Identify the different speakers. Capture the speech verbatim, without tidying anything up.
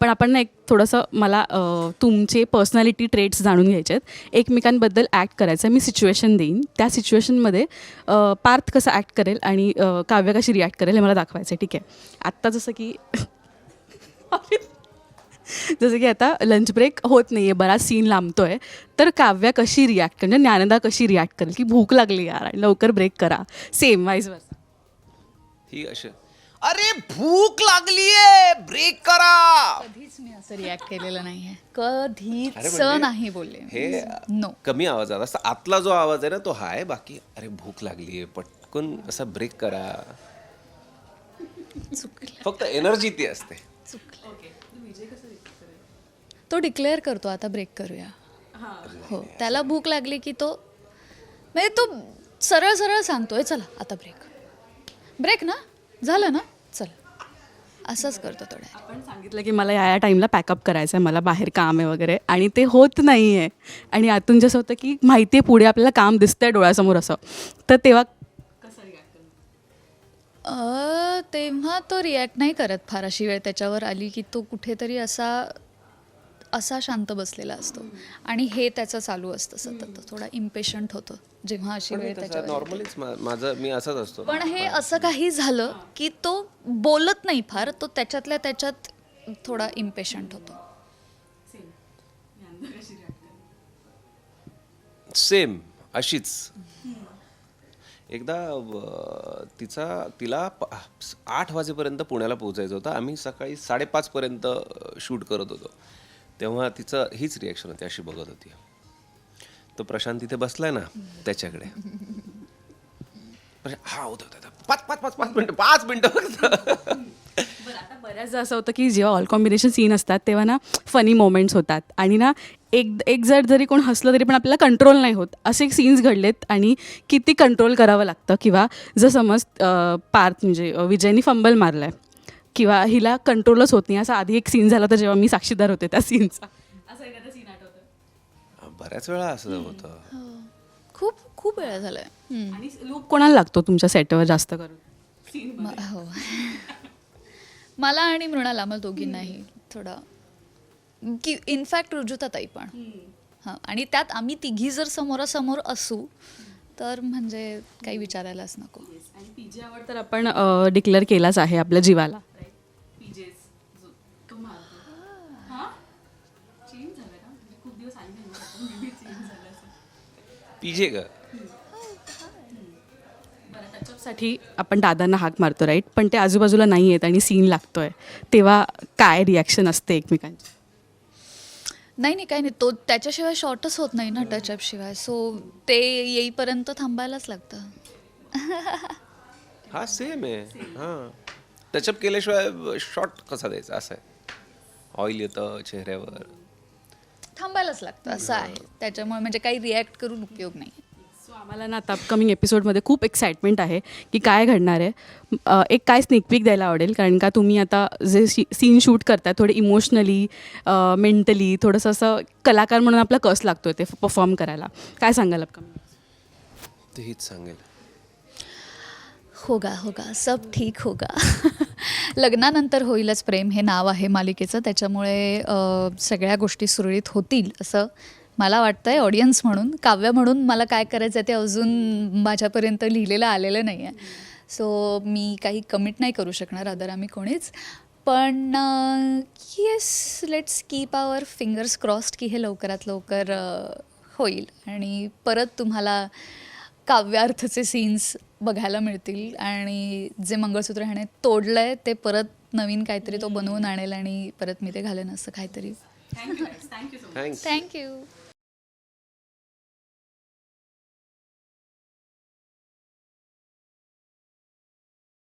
Speaker 1: पण आपण ना एक थोडंसं मला अ, तुमचे पर्सनॅलिटी ट्रेट्स जाणून घ्यायचे आहेत. एकमेकांबद्दल ॲक्ट करायचं आहे. मी सिच्युएशन देईन, त्या सिच्युएशनमध्ये अ, पार्थ कसं ॲक्ट करेल आणि अ, काव्य कशी रिॲक्ट करेल हे मला दाखवायचं आहे. ठीक आहे. आत्ता जसं की जसं की आता लंच ब्रेक होत नाही आहे, बराच सीन लांबतो आहे, तर काव्या कशी रिॲक्ट म्हणजे ज्ञानदा कशी रिॲक्ट करेल की भूक लागली यार आणि लवकर ब्रेक करा. सेम वाईज वर्सा.
Speaker 2: ही अशी अरे भूक लागलीये ब्रेक करा.
Speaker 3: कधीच मी असं रिॲक्ट केलेलं नाहीये, कधीच
Speaker 2: अरे म्हणजे
Speaker 3: नाही बोलले.
Speaker 2: हे
Speaker 3: नो.
Speaker 2: कमी आवाजात असा आतला जो आवाज आहे ना तो हा आहे. बाकी अरे भूक लागलीये पटकन असा ब्रेक करा.
Speaker 3: चुकलं
Speaker 2: फक्त एनर्जी ती असते.
Speaker 3: चुकलं. तो डिक्लेअर करतो आता ब्रेक करूया. हो, त्याला भूक लागली की तो म्हणजे तो सरळ सरळ सांगतोय चला आता ब्रेक ब्रेक ना झालं ना चला, असंच करतो थोडं.
Speaker 1: आपण सांगितलं की मला या या टाईमला पॅकअप करायचं आहे, मला बाहेर काम आहे वगैरे, आणि ते होत नाही आहे आणि आतून जसं होतं की माहिती आहे पुढे आपल्याला काम दिसतंय डोळ्यासमोर असं, तर तेव्हा
Speaker 3: अ, तेव्हा तो रिॲक्ट नाही करत फार. अशी वेळ त्याच्यावर आली की तो कुठेतरी असा असा शांत बसलेला असतो आणि हे त्याचं चालू असतं सतत. थोडा इम्पेशंट होतो जेव्हा अशी वेळ त्याच्यावर येते.
Speaker 2: नॉर्मलीच माझं मी असंच असतो.
Speaker 3: पण हे असं काही झालं की तो बोलत नाही फार, तो त्याच्यातल्या त्याच्यात थोडा इम्पेशंट होतो.
Speaker 2: सेम अशीच. एकदा अ, तिचा तिला प- आठ वाजेपर्यंत पुण्याला पोहोचायचं होतं. आम्ही सकाळी साडेपाचपर्यंत शूट करत होतो. तेव्हा तिचं हीच रिॲक्शन होती, अशी बघत होती. तो प्रशांत तिथे बसलाय ना त्याच्याकडे. प्रशांत, हा होतं होतं, होतं. पाच पाच पाच पाच मिनटं पाच मिनटं फक्त.
Speaker 1: बरं, आता बऱ्याचदा असं होतं की जेव्हा ऑल कॉम्बिनेशन सीन असतात तेव्हा ना फनी मोमेंट्स होतात आणि ना एक एक जर जरी कोण हसलं तरी पण आपल्याला कंट्रोल नाही होत. असे सीन्स घडलेत आणि किती कंट्रोल करावं लागतं. किंवा जर समज अं, पार्थ म्हणजे अं, विजयनी फंबल मारला आहे किंवा हिला कंट्रोलच होत नाही, असा आधी एक सीन झाला होता जेव्हा मी साक्षीदार होते त्या सीनचा. असं एखादा सीन आठवतं?
Speaker 2: बऱ्याच वेळा असं होतं.
Speaker 3: खूप खूप वेळा झालाय. हम्म.
Speaker 1: आणि लूक कोणाला लागतो तुमच्या सेटवर जास्त करून?
Speaker 3: म- हो मला आणि मृणाल, आम्हाला दोघींनाही थोडा की इनफॅक्ट रुजुताताई पण. हां, आणि त्यात आम्ही तिघी जर समोरासमोर असू तर म्हणजे काही विचारायलाच नको.
Speaker 1: आणि पीजे आवड तर आपण डिक्लेअर केलाच आहे आपल्या जीवाला.
Speaker 2: पीजे का
Speaker 1: साठी आपण दादांना हाक मारतो राईट, पण ते आजूबाजूला नाही आहेत आणि सीन लागतोय, तेव्हा काय रिॲक्शन असते एकमेकांची?
Speaker 3: नाही नाही काही नाही, तो त्याच्याशिवाय शॉर्टच होत नाही ना टचअप शिवाय. सो ते येईपर्यंत थांबायलाच लागतं.
Speaker 2: हा सेम आहे. हां टचअप केल्याशिवाय शॉर्ट कसा द्यायचा असं आहे. ऑइल येतं चेहऱ्यावर.
Speaker 3: थांबायलाच लागतं असं आहे. त्याच्यामुळे म्हणजे काही रिॲक्ट करून उपयोग नाही.
Speaker 1: सो आम्हाला ना आता अपकमिंग एपिसोडमध्ये खूप एक्साइटमेंट आहे की काय घडणार आहे. अ, एक काय स्नेक पीक द्यायला आवडेल, कारण का तुम्ही आता जे सी सीन शूट करताय थोडे इमोशनली मेंटली थोडंसं असं कलाकार म्हणून आपला कस लागतो ते परफॉर्म करायला. काय सांगाल अपकमिंग?
Speaker 2: ते हीच सांगेल.
Speaker 3: होगा होगा सब ठीक होगा. लग्नानंतर होईलच प्रेम हे नाव आहे मालिकेचं, त्याच्यामुळे अ, सगळ्या गोष्टी सुरळीत होतील असं मला वाटतं आहे. ऑडियन्स म्हणून, काव्य म्हणून मला काय करायचं आहे ते अजून माझ्यापर्यंत लिहिलेलं आलेलं नाही आहे. सो मी काही कमिट नाही करू शकणार अदर आम्ही कोणीच. पण yes, let's keep our fingers crossed की हे लवकरात लवकर अ, होईल आणि परत तुम्हाला काव्यार्थचे सीन्स बघायला मिळतील आणि जे मंगळसूत्र ह्याने तोडलं आहे ते परत नवीन काहीतरी तो बनवून आणेल आणि परत मी ते घालेन असं काहीतरी.
Speaker 2: थँक्स.
Speaker 3: थँक्यू.